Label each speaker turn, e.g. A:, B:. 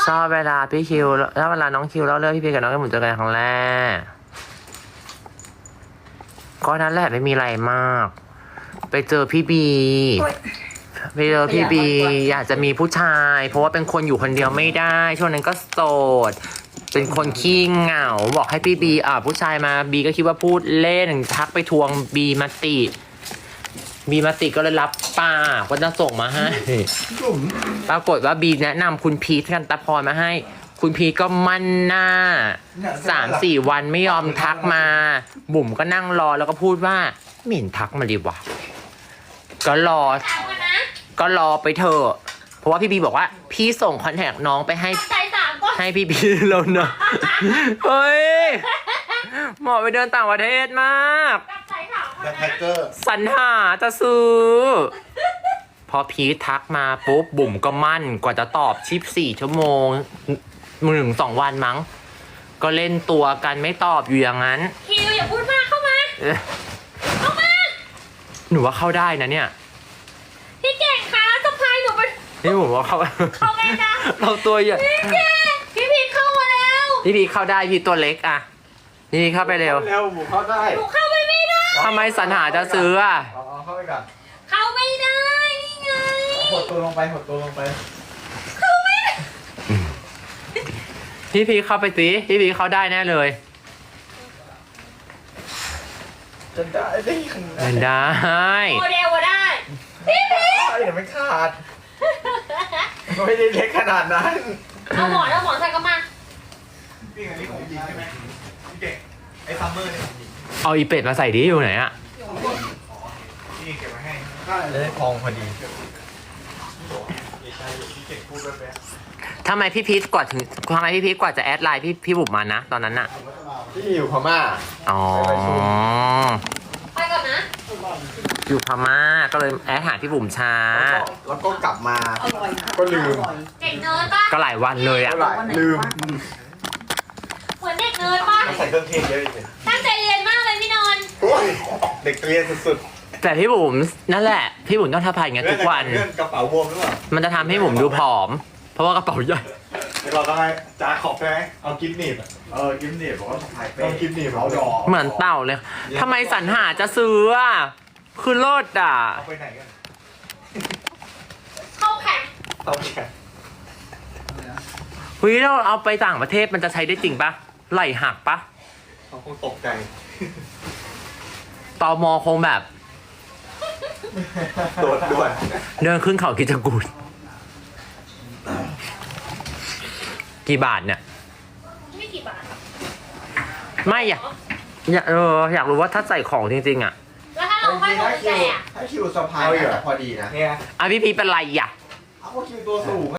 A: ชอบเวลาพี่คิวถ้าเวลาน้องคิวเล่าเรื่องพี่พีกับน้องแก้มบุ๋มเจอกันครั้งแรกก็นั้นแหละไม่มีอะไรมาก ไปเจอพี่บีไปเจอพี่บีอยากจะมีผู้ชาย เพราะว่าเป็นคนอยู่คนเดียวไม่ได้ช่วงนั้นก็โสดเป็นคนขี้เหงาบอกให้พี่บีผู้ชายมาบีก็คิดว่าพูดเล่นทักไปทวงบีมาติก็เลยรับปากว่าจะส่งมาให้ปรากฏว่าบีแนะนำคุณพีทกันตะพรมาให้คุณพีทก็มั่นหน้า3-4 วันไม่ยอมทักมาบุ๋มก็นั่งรอแล้วก็พูดว่าไม่เห็นทักมาดีวะก็รอไปเถอะเพราะว่าพี่บีบอกว่าพี่ส่งคอนแทคน้องไปให้พี่บีแล้วนะเฮ้ยเหมาะไปเดินต่างประเทศมาก
B: แฮกเกอร์
A: สรรหาจะซื้อพอพีททักมาปุ๊บบุ๋มก็มั่นกว่าจะตอบ14 ชั่วโมง1-2 วันมั้งก็เล่นตัวกันไม่ตอบอยู่อย่างนั้น
C: คิวอย่าพูดมากเข้ามา
A: หนูว่าเข้าได้นะเนี่ย
C: พี่เก่งคะสะพายหนูไป
A: นี่ผมว่าเข้า
C: ไงนะ
A: เราตัวใหญ่
C: พี่พีเข้ามาแล้ว
A: พี่พีเข้าได้พี่ตัวเล็กอ่ะพี่เข้าไปเร็ว
B: หมูเข้าได้
C: หนูเข้าไปไม่ได้
A: ทำไมสรรหาจะซื้ออ่ะ
B: เข้าไปก่อน
C: เข้าไม่ได้นี่ไง
B: หดตัวลงไป
C: เข้าไม่ได้
A: พี่พีเข้าไปสิพี่พีเข้าได้แน่เลย
B: จะได้
A: ได้
C: โมเดลได้พี่พี
B: อย่าไม่ขาดไม่ได้เล็กขนาดนั้น
C: เอาหมอนใส่กระมัง
B: พี่อันนี้ของจริงใช่ไหมพี่เก่งไอ้ซัมเมอร์เนี่ย
A: เอาอีเป็ดมาใส่ดิอยู่ไหนอ่ะ
B: พี่เก็บมาให้จะได้พองพอดี
A: ทำไมพี่พีทกว่าจะแอดไลน์พี่บุ๋มมานะตอนนั้นน่ะ
B: พี่อยู่พม่า
A: อ๋อ
C: ไปก่อนนะ
A: อยู่พม่าก็เลยแอดหาพี่บุ๋มช้า
B: แล้วก็กลับมาก็ลืม
C: เด็กเนิร์ดป่ะ
A: ก็หลายวันเลยอ่ะ
B: ลืม
C: เหมือนเด็กเนิร์ดป่ะ
B: ใส่เครื่องเทศเยอะเลย
C: ตั้งใจเรียนมากเลยพี่นนท์
B: เด็กเรียนสุด
A: ๆแต่พี่บุ๋มนั่นแหละพี่บุ๋มต้องทำพายอย่างเงี้ยทุกวัน
B: กระเป๋าบวมหรือเปล่า
A: มันจะทำให้บุ๋มดูผอมเพราะว่ากระเป๋าใหญ่
B: เราต้องให้จ้าขอบใช่ไหมเอากิ๊บหนีบกิ๊บหนีบบอกว่าต้องกิ๊บหนีบเอาดอก
A: เหมือนเต่าเลยทำไมสรรหาจะซื้ออ่ะคือโลดอ่ะ
B: เอาไปไหนกัน
C: เข้าแข่ง
A: เฮ้ยเราเอาไปต่างประเทศมันจะใช้ได้จริงปะไหลหักปะ
B: เขาคงตกใจ
A: ตม.คงแบบ
B: โดดด่วน
A: เดินขึ้นเขากิจกูฏกี่บาทเนี่ย
C: ไม่กี่บาท
A: ไม่อยากรู้ว่าถ้าใส่ของจริงๆอ่ะ
C: แล้วถ้าเราค่อยโดนแจก
B: ถ้าคิวสะพายแต่พอดีนะ
A: พี่พีเป็นไรอ่ะ
B: เอาคิวตัวสูง